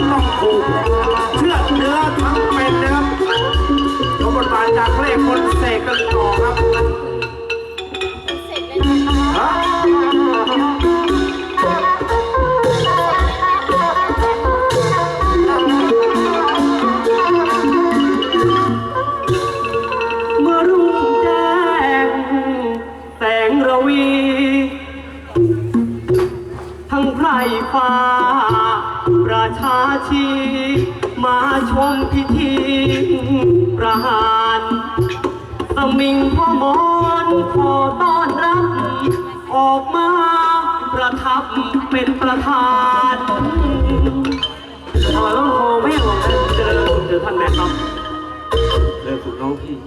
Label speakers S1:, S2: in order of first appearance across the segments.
S1: ต้องถูกเชือดเนื้อทั้งเป็นนะครับยกบทบาทจากเพลงคนเสกกันต่อครับฮะเมื่อรุ่งแจ้งแสงระวีทั้งไพร่ฟ้าประชาชีมาชมพิธีประหารสมิงพ่อมอนขอต้อนรับออกมาประทับเป็นประธานต้องโทรไม่หลงเจอท่านแม่ครับเลิกฝึกน้องพี่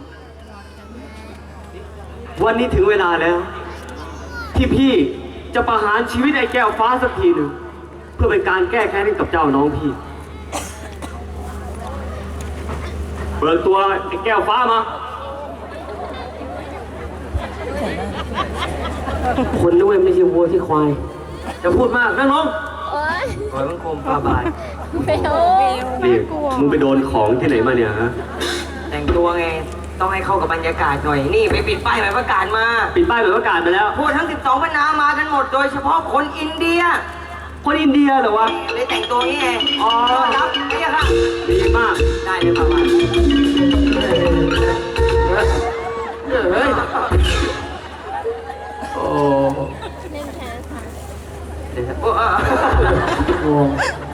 S1: วันนี้ถึงเวลาแล้วที่พี่จะประหารชีวิตไอ้แก้วฟ้าสักทีหนึ่งเพื่อเป็นการแก้แค้นให้กับเจ้าน้องพี่เบิกตัวไอ้แก้วฟ้ามาคนด้วยไม่ใช่วัวที่ควายจะพูดมากนั่งลงขอมันคมปลาบายนี่มึงไปโดนของที่ไหนมาเนี่ยฮะ
S2: แต่งตัวไงต้องให้เข้ากับบรรยากาศหน่อยนี่ไปปิดป้ายหมายประกาศมา
S1: ปิดป้ายหมายประกาศมาแล้ว
S2: พวกทั้ง12บรรณามากันหมดโดยเฉพาะคนอินเดีย
S1: คนอินเดียเหรอวะ
S2: เลยแต่งตัวนี้ไงอ๋อครับนี่ค่ะ
S1: ดีมาก
S2: ได้เลยป่าว
S1: เฮ้ยโอ้
S2: โอ้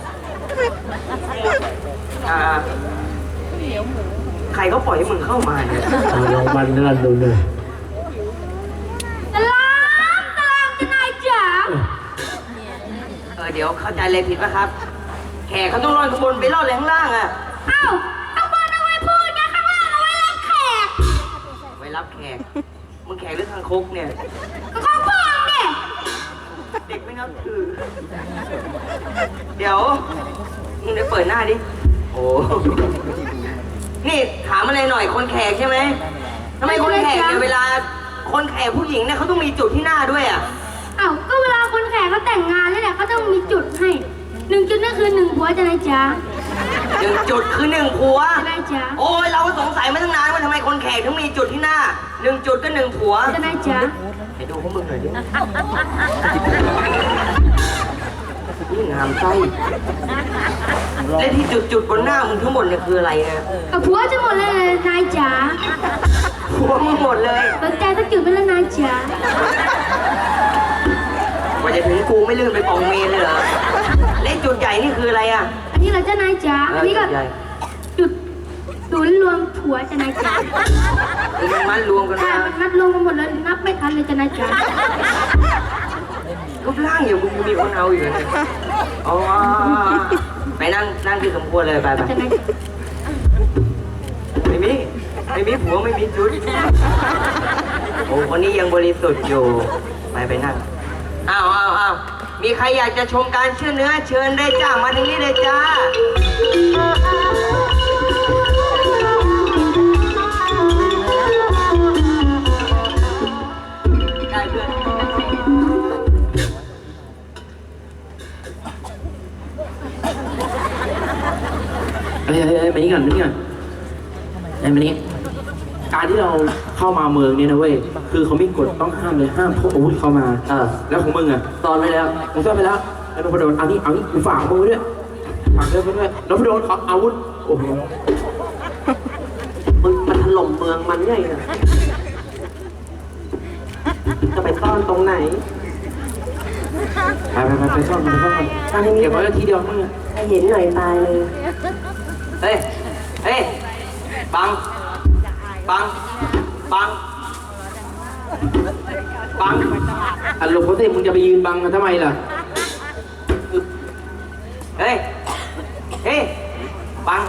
S2: ใครเขาปล่อยให้มึงเข้ามาเนี่ย
S1: ลองมันนั่นดูเลย
S3: ตลามจะนายจ๋า
S2: เดี๋ยวเข้าใจเลยผิดป่ะครับแขกเขาต้องรอดข้างบนไปรอดเลยข้างล่างอ่ะ
S3: อ้าวข้างบนเอาไว้พูดนะข้างล่างเอาไว้รับแขก
S2: ไว้รับแขกมึงแขกหรือทางคกเนี่ย
S3: ก็ข้างบนเนี่ย
S2: เด็กไม่นับถือเดี๋ยวมึงได้เปิดหน้าดิโอ้นี่ถามอะไรหน่อยคนแขกใช่ไหมทำไมคนแขกเนี่ยเวลาคนแขกผู้หญิงเนี่ยเขาต้องมีจุดที่หน้าด้วยอ่ะ
S3: อ้าวก็เวลาคนแขกเขาแต่งงานแล้วเนี่ยเขาต้องมีจุดให้1 จุดนั่นคือ1 ผัวจะนายจ๋า
S2: 1 จุดคือ1 ผัว
S3: จะนายจ๋า
S2: โอ้ยเราก็สงสัยมาตั้งนานว่าทำไมคนแขกถึงมีจุดที่หน้า1 จุดก็1 ผัว
S3: จะนายจ๋า
S2: ให้ดูพวกมึงหน่อยดินี่งามไส้และที่จุดบนหน้ามึงทั้งหมดเนี่ยคืออะไรนะ
S3: ผัวจะหมดเลยนายจ๋า
S2: ผัวมึงหมดเลย
S3: สนใจสักจุดเป็นแล้วนายจ๋า
S2: ว่าจะถึงกูไม่ลื่นไปกองเมนเลยเหรอเล่นจุดใหญ่นี่คืออะไรอ่ะ
S3: อันนี้เราจะนายจ๋าอันนี้ก็จุดศูนย์รวมผัวจะนายจ๋า
S2: มันมัดรวมกันมา
S3: มัดรวมกันหมดเลยนับไม่ทันเลยจะนายจ๋า
S2: รูปร่างอยู่มึงมีคนเอาอยู่เลยอ๋อไปนั่งที่สมควรเลยไปไม่มีผัวไม่มีจุดโอ้คนนี้ยังบริสุทธิ์อยู่ไปนั่งอ้าวมีใครอยากจะชมการเชื่อเนื้อเชิญได้จ้ามาทางนี้เลยจ้าได้เพื่อน
S1: มานี่ก่อนมานี่การที่เราเข้ามาเมืองเนี่ยนะเว้ยคือเขาไม่กฎต้องห้ามเลยห้ามพกอาวุธเข้ามาแล้วของมึงอ่ะตอนไปแล้วผมซ่อนไปแล้วแล้วนพดลเอานี่กูฝากมือด้วยฝากด้วยนพดลเขาอาวุธโอ้โหมึงมันถล่มเมืองมันไงอ่ะจะไปซ่อนตรงไหนไปซ่อนตั้งให้เก็บไว้ทีเดียวมึงให้เห็นหน่อยตายเลย
S2: เฮ้ยบัง
S1: อันหลบเขาสิมึงจะไปยืนบังกันทำไมล่ะ
S2: เฮ้ยบัง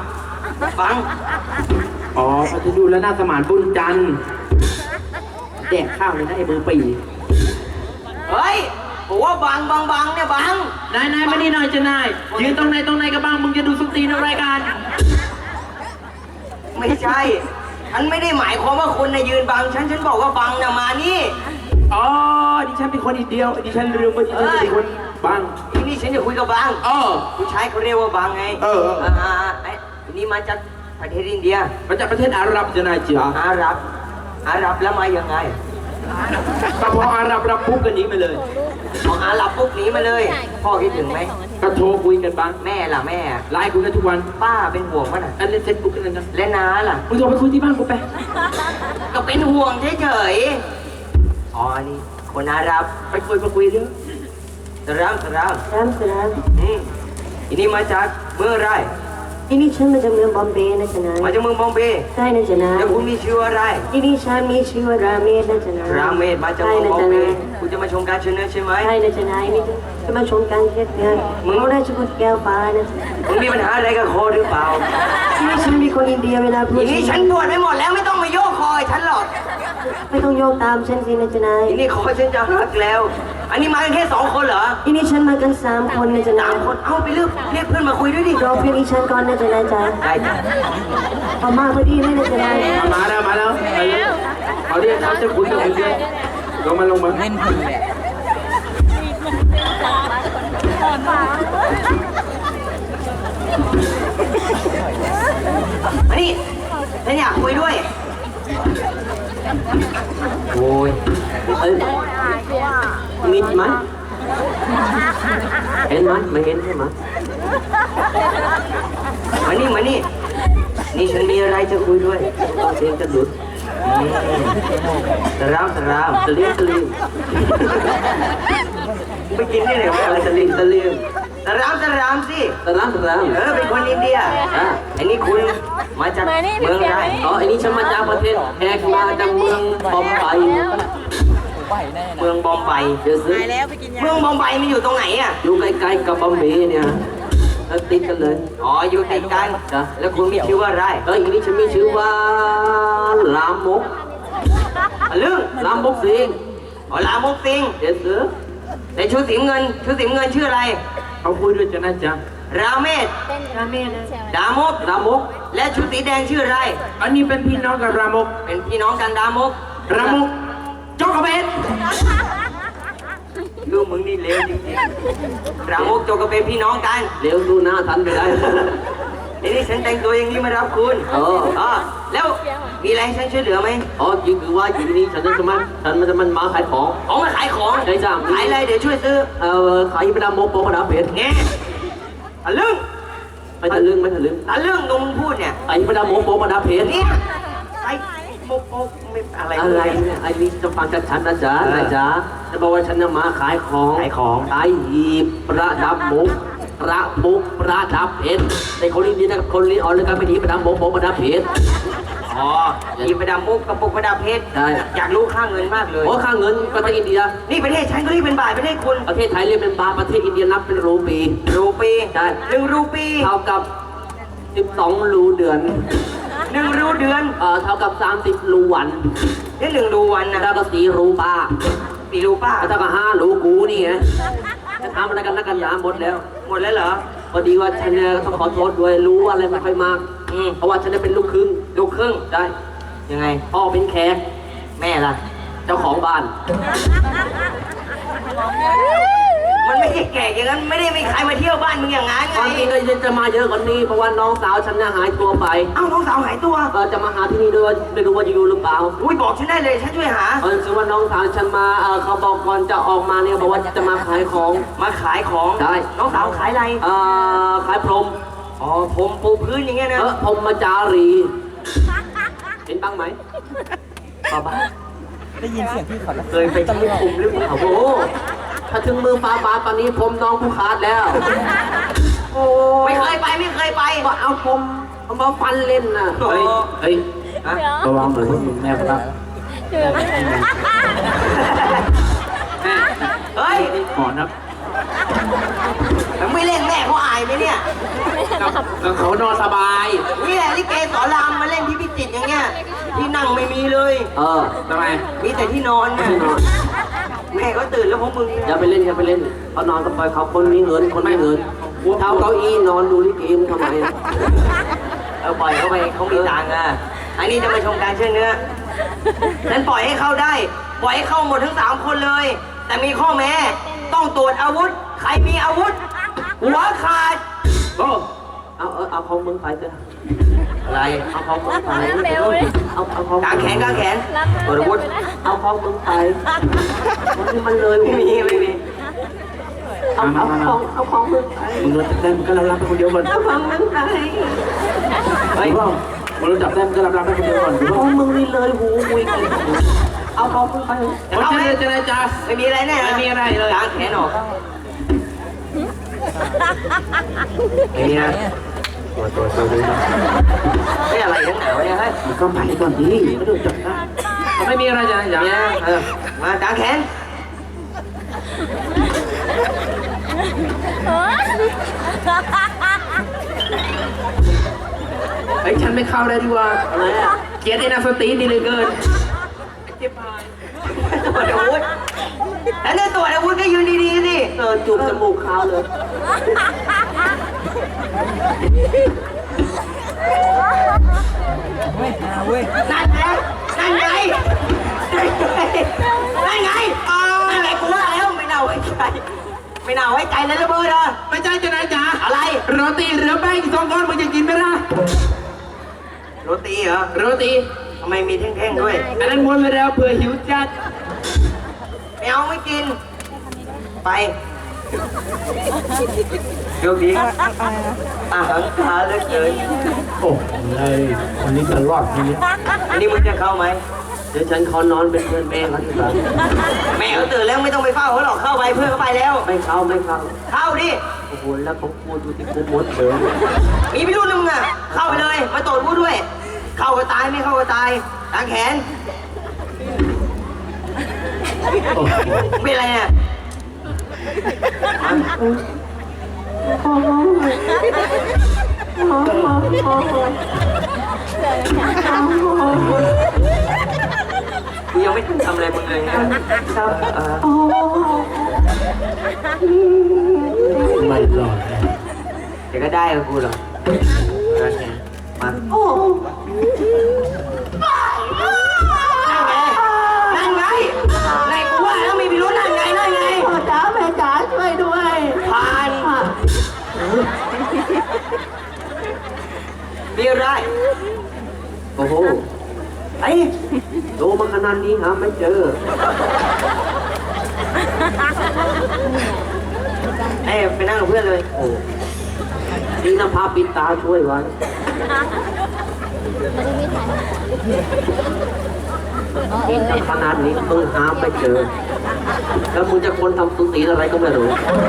S1: อ๋อเขาจะดูแล้วหน้าสมานบุญจันทร์แดกข้าวเลยนะไอ้มือปี
S2: เฮ้ยบอกว่าบังเนี่ยบัง
S1: นายมานี่หน่อยจะนายยืนตรงไหนกับบังมึงจะดูสุตีในรายการ
S2: ไม่ใช่ฉันไม่ได้หมายความว่าคุณน่ะยืนบังฉันบอกว่าบังน่ะมานี่
S4: อ๋อดิฉันเป็นคนอินเดียดิฉันลืมว่าดิฉันเป็นคนบัง
S2: ทีนี้ฉันจะคุยกับบาง
S4: เออ
S2: ผู้ชายเขาเรียกว่าบางไง
S4: เออ
S2: ไอ้นี่มาจากประเทศอินเดีย
S4: มาจากประเทศอาหรับจะนายจ๋า
S2: อาหรับแล้วมายังไง
S4: ก็พออาหรับรับปุ๊บกันหนีมาเลย
S2: พออาหรับปุ๊บหนีมาเลย พ่อคิดถึงไหม
S4: ก็โทรคุยกันบ้าง
S2: แม่ล่ะแม่
S4: ไลน์คุยกันทุกวัน
S2: ป้าเป็นห่วงมั้ยน่ะ
S4: อันเล่นเฟซบุ๊กกันนะ
S2: และน้าล่ะ
S4: มึงโทรไปคุยที่บ้านกูไป
S2: ก็เป็นห่วงเฉยๆอ๋อนี่คนอาหรับ
S4: ไปคุยเรื่อง
S2: สราม
S5: สลาม
S2: อันนี้มาจากเมืองอะไร
S5: ที่นี่ฉันมาจากเมืองบอมเบย์นะจ๊ะนาย
S2: มาจากเมืองบอมเบย์
S5: ใช่นะจ๊ะนาย
S2: แล้วคุณมีชื่ออะไร
S5: ที่นี่ฉันมีชื่อว่าราเมศนะจ๊ะนาย
S2: ราเมศมาจาก
S5: ใช่
S2: เมือง
S5: นะ
S2: บอ
S5: จ๊ะ
S2: มเบ
S5: นาย
S2: ย์คุณจะมาชมการเชิญเนื้อใช่ไหม
S5: ใช่นะจ๊ะนายนี่จะมาชมการเทศน์เนี่ยเขาได้ชุดแก้วฟ้านะจ๊ะ
S2: มึงมีปัญหาอะไรกับคอหรือเปล่า
S5: ที่นี่ฉันมีคนอินเดียเวลาพู
S2: ที
S5: ด
S2: นี้ฉันปวดไปหมดแล้วไม่ต้องมาโยกคอยฉันหรอก
S5: ไม่ต้องโยกตามฉันสินะจ๊ะนาย
S2: ทีนี้คอฉันจะหักแล้ว อันนี้มากันแค่2 คนเหรอ
S5: ที่นี่ฉันมากัน3 คนนะจ๊ะนา
S2: สาย มคนเอาไปเรียกเพื่อนมาคุยด้วยดิ
S5: รอเพียงอีฉันก่อนนะจ๊ะนายจ๊ะ
S2: ได้จ้ะ
S5: พอมาพอดีเลยนะจ๊ะนาย
S4: มาแล้วไปเลยเขาเรียกเขาจะคุยกับมึงด้วยลงมาเล่นคนแหละ
S2: อันนี้ฉันอยากคุยด้วย โอ้ย
S1: มิดไหมเห็นไหมไม่เห็นใช่ไหม
S2: มานี่นี่ฉันมีอะไรจะคุยด้วย
S1: เสียงจะหลุด
S2: สราม
S1: ตะลิง
S2: ไปกินที่ไหนวะ
S1: ตะลิง
S2: สรามสิ
S1: ตะล้าง
S2: เป็นคนอินเดียอันนี้คุณมาจากเมืองอะไร
S1: อ๋อไอ้นี่ฉันมาจากประเทศแขกมาจากเมืองบอมไบ
S2: เมืองบอมไบ
S1: เดี๋ยวซื้อ
S2: เมืองบอมไบมันอยู่ตรงไหนอ่ะ
S1: อยู่ใกล้ๆกับบอมเบย์เนี่ยแล้วติดกันเลย
S2: อ๋ออยู่ติดกัน
S1: จ้ะ
S2: แล้วคุณมีชื่อว่าอะไร
S1: แล้วอีกนี่ฉันมีชื่อว่าลามก
S2: เรื่อง
S1: ลามกสิง
S2: อ๋อลามกสิง
S1: เดี๋ยวซื้อ
S2: ในชุดสีเงินชื่ออะไร
S4: เขาคุยด้วยจะนะจ๊ะ
S2: ราเมศ
S5: ราเมศนะ
S2: ดามก
S1: ลามก
S2: และชุดสีแดงชื่ออะไร
S4: อันนี้เป็นพี่น้องกับรามก
S2: เป็นพี่น้องกันดามก
S4: รามกจอกกระเบน
S2: ลูกมึงนี่เลวจริงๆรามกโจกก็เป็นพี่น้องกัน
S1: เร็วดูหน้าทันไปได้
S2: ทีนี้ฉันแต่งตัวอย่างนี้มารับคุณ
S1: เออ
S2: แล้วมีอะไรให้ฉันช่วยเหลือไหม
S1: อ๋อจริงคือว่าอยู่ที่นี่ฉันจะมันมาขายของ
S2: ของมาขายของ
S1: ได้จ้ะ
S2: ขายอะไรเดี๋ยวช่วยซื้อ
S1: ขายเป็นลามกโปกระดาษเพชร
S2: แง่ทะลึ่ง
S1: ไม่ทะลึ่ง
S2: ทะลึ่งตรงมึงพูดเนี่ย
S1: ขายเป็นลามกโปกระดาษเพชร
S2: เนี่ยไอ้โมกไม่อะไร
S1: อะไรเนี่ยไอ้นี่จะฟังจากฉันนะจ๊ะนะจ๊ะจะบอกว่าฉันจะมาขายของขายหีบประดับมุกประดับเพชรแต่คนนี้นะคนนี้อ๋อเลยกันไม่ดีประดับมุกประดับเพชร
S2: อ๋อหยิบประดับมุกกระปุกประดับเพชร
S1: ได้
S2: อยากรู้ค่าเงินมากเลย
S1: โอ้ค่าเงินประเทศอินเดีย
S2: นี่ประเทศฉันก็เรียกเป็นบาทประเทศคุณ
S1: ประเทศไทยเรียกเป็นบาทประเทศอินเดียนับเป็นรูปี
S2: รูปี
S1: ได้
S2: 1 รูปี
S1: เท่ากับ12รูเดือน
S2: 1 รูเดือน
S1: เท่ากับ30รูวัน
S2: นี่1 รูวันนะ
S1: แล้วก็4รูป้า
S2: 4 รูป้า
S1: แล้วเท่ากับ5รูกูนี่ไงจะทำอะไรกันนักกันหนาหมดแล้ว
S2: หมดแล้วเหรอ
S1: พอดีว่าฉันเนี่ยต้องขอโทษด้วยรู้ว่าอะไรไม่ค่อยมาก เพราะว่าฉันเนี่ยเป็นลูกครึ่ง
S2: ลูกครึ่ง
S1: ได้
S2: ยังไง
S1: พ่อเป็นแขก
S2: แม่ล่ะ
S1: เจ้าของบ้าน
S2: มันไม่ใช่แก่อย่างนั้นไม่ได้มีใครมาเที่ยวบ้านมึงอย่างนั้น
S1: ตอนนี้
S2: ไง
S1: ก็จะมาเยอะกว่านี้เพราะว่าน้องสาวฉันเนี่ยหายตัวไป
S2: เอ้าน้องสาวหายตัว
S1: จะมาหาที่นี่ด้วยไม่รู้ว่าจะอยู่หรือเปล่า
S2: อุ้ยบอกฉันได้เลยฉันช่วยหา
S1: คือว่าน้องสาวฉันมาเขาบอกก่อนจะออกมาเนี่ยบอกว่าจะมาขายของ
S2: มาขายของ
S1: ได้
S2: น้องสาวขายอะไร
S1: ขายพรม
S2: อ๋อผมปูพื้นอย่างเงี้ยนะ
S1: พรมมาจารี เห็นบ้างไหม
S2: บ้าได้ยินเสียงพี่เขาเคยไปที่คุมหรือเปล่า
S1: โอ้โหถ้าถึงมือฟ้าบาตอนนี้ผมน้องผู้ขาดแล้ว โอ้
S2: ไม่เคยไป
S1: ว่าเอาผมเอามาฟันเล่นน่ะ
S2: เฮ้ย
S4: เฮ้ย
S2: ฮะ
S4: ระวังหน่อยมึงแม่ครับ
S2: เฮ้ย
S4: ขอนับ
S2: มันไม่เล่นแม่เขาอายไหมเนี่ย
S4: เขานอนสบาย
S2: นี่แหละลิเกสอนรามมาเล่นที่พิจิตรอย่างเงี้ยที่นั่งไม่มีเลย
S4: ทำไม
S2: มีแต่ที่นอนนะ
S1: ที่นอน
S2: แม่ก็ตื่นแล้วพวกมึง
S1: อย่าไปเล่นเขานอนกับไปเขาคนมีเงินคนไม่เงินเท้าเก้าอี้นอนดูลิเกมทำไม
S2: ปล่อยเขาไปเขามีตังค์อ่ะอันนี้จะมาชมการเชิดเนื้อฉันปล่อยให้เข้าได้ปล่อยให้เข้าหมดทั้ง3 คนเลย แต่มีข้อแม้ต้องตรวจอาวุธ ใครมีอาวุธ หัวขาด
S4: โอ้เอาของมึงไปเถอะ
S2: อะไร
S4: เอาของมึงไปเอาของ
S2: กางแขนกางแขนตรวจอาวุธ
S4: เอาของมึงไปมันเลย
S2: ไม่มี
S5: เอาของมึงไป
S4: มึงเราจับได้มึงก็รับไปคนเดียวก่อน
S5: เอาของมึงไป
S2: เฮ้ย
S4: มึงเราจับได้มึงก็รับไปคนเดียวก่อน
S5: ของมึงนี่เลยหูมุยกันเอาของมึงไป
S2: จะเข้าไหม
S4: จะได้จ้า
S2: ไม่มีอะไรแน่นะ
S4: ไม่มีอะไรเลย
S2: กางแขนออกไม่มีนะตัวไม่อะไรทั้งหนาวเนี่ยเฮ้ย
S4: มึงก็ไปก่อนดิไม่ต้องจับได้ไม่มีอะไรจ้ะอย่า
S2: เนี่ยมากางแขน
S4: ไอ้ฉันไม่เข้าได้ดีกว่าอะไรอ่ะเกลียดไอ้นาสตีนี่เลยเกิน
S2: ตรวจอาวุธแล้วเนี่ยตรวจอาวุธก็ยืนดีๆสิ
S5: จูบจมูกขาวเลย
S2: นั่นไงนั่นไงนั่นไงนั่นไงกูว่าแล้วไม่น่าไว้ใจไม่น่าไว้ใจเลยระเบิดอ่ะ
S4: ไม่ใช่จะไหนจ๊ะ
S2: อะไร
S4: โรตีเหลือแป้งอีก2 ก้อนมึงจะกินไหมล่ะ
S2: โรตีเหรอ
S4: โรตี
S2: ทำไมมีแท่งๆด้วย
S4: อันนั้นม้วนไปแล้วเผื่อหิวจัด
S2: ไม่เอาไม่กิน ไปโยกดีอาหารคาเหลือเกิน
S4: โอ้ยวันนี้จะรอดทีนี้
S2: อันนี้มึงจะเข้าไหม
S4: เดี๋ยวฉันขอนอนเป็นเพื่อนแม่เขาดีกว่า
S2: แม่เขาตื่นแล้วไม่ต้องไปเฝ้าเขาหรอกเข้าไปเพื่อนเขาไปแล้ว
S4: ไม่เข้า
S2: เข้าดิ
S4: โอ้โหแล้วเขาพูดดูที่กูมดเลย
S2: มีพี่รุ่นนึงอ่ะ เข้าไปเลย มาตรวจผู้ด้วย เข้าก็ตายไม่เข้าก็ตายกางแขน เป็นอะไรเนี่ยกูยังไม่ทันทำอะไรมึงเลยนะ
S4: ไม่รอด
S2: เดี๋ยวก็ได้กับกูหรอกมานั่นไงไหนกูว่าแล้วมีพิรุธนั่นไง
S5: พ่อจ๋าแม่จ๋าช่วยด้วย
S2: ผ่านมีอะไร
S4: โอ้โห
S2: ไอ้
S4: ดูมาขนาดนี้หาไม่เจอ
S2: ไปนั่งกับเพื่อนเลย
S4: โอ้นี่น้ำพาปิดตาช่วยไว้เห็นขนาดนี้มึงหาไม่เจอ แล้วมึงจะคนทำสุตีอะไรก็ไม่รู้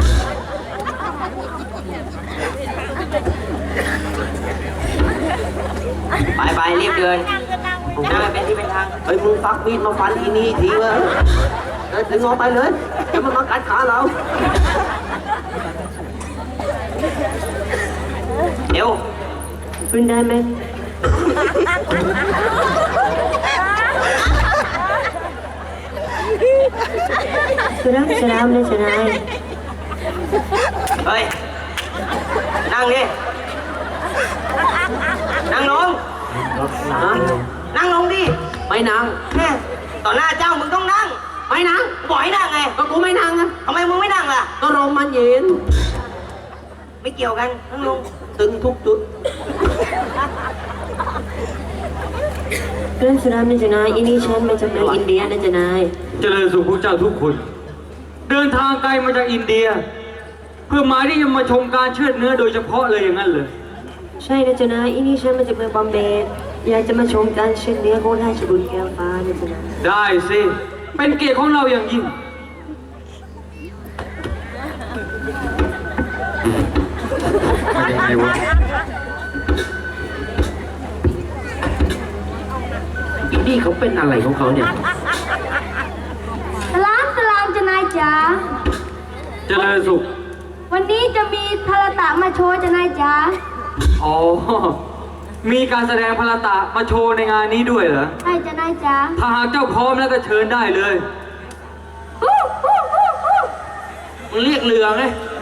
S2: ไปรีบเดินนั่งเป็นที่เป็นทาง
S4: เฮ้ยมึงฟักมีดมาฟันอีนี่ทีวะถึงออกไปเลยจะมันมากัดขาเรา
S2: เดี๋ยว
S5: ขึ้นได้ไหมสลามสลามนะสลาม
S2: เฮ้ย นั่งดิ นั่งลง นั่งลงดิ
S4: ไม่นาง
S2: แม่ต่อหน้าเจ้ามึงต้องนั่ง
S4: ไม่นาง
S2: บอกให้นั่งไง
S4: ก็กูไม่นางอะ
S2: ทำไมมึงไม่นั่งล่ะ
S4: ก็ลมมันเย็น
S2: ไม่เกี่ยวกัน นั่งลง
S4: ตึงทุกจุด
S5: เรื่องสลามนะจ๊ะนายอินี่ฉันมาจากเมืองอินเดียนะจ๊ะนาย
S1: เจริญสุขพวกเจ้าทุกคน เดินทางไกลมาจากอินเดีย เพื่อหมายที่จะมาชมการเชือดเนื้อโดยเฉพาะเลยอย่างนั้นเลย
S5: ใช่นะจ๊ะนายอินี่ฉันมาจากเมืองบอมเบย์อยากจะมาชมการเช็ดเนื้อของราชบุตรแก้วฟ้านะจ๊ะนาย
S1: ได้สิ เป็นเกียรติของเราอย่างยิ่ง ยังไงวะ
S4: อีนี่เขาเป็นอะไรของเขาเนี่ย
S3: สลามจะนายจ๋า
S1: เจริญสุข
S3: วันนี้จะมีทารตะมาโชว์จะนายจ๋า
S1: อ๋อ มีการแสดงพลตะมาโชว์ในงานนี้ด้วยเหรอ
S3: ใช่จะนายจ๋า
S1: ถ้าหากเจ้าพร้อมแล้วก็เชิญได้เลย
S3: ฮู้ฮู้ฮู้ฮู้
S1: มึงเรียกเรือไง
S3: ฮ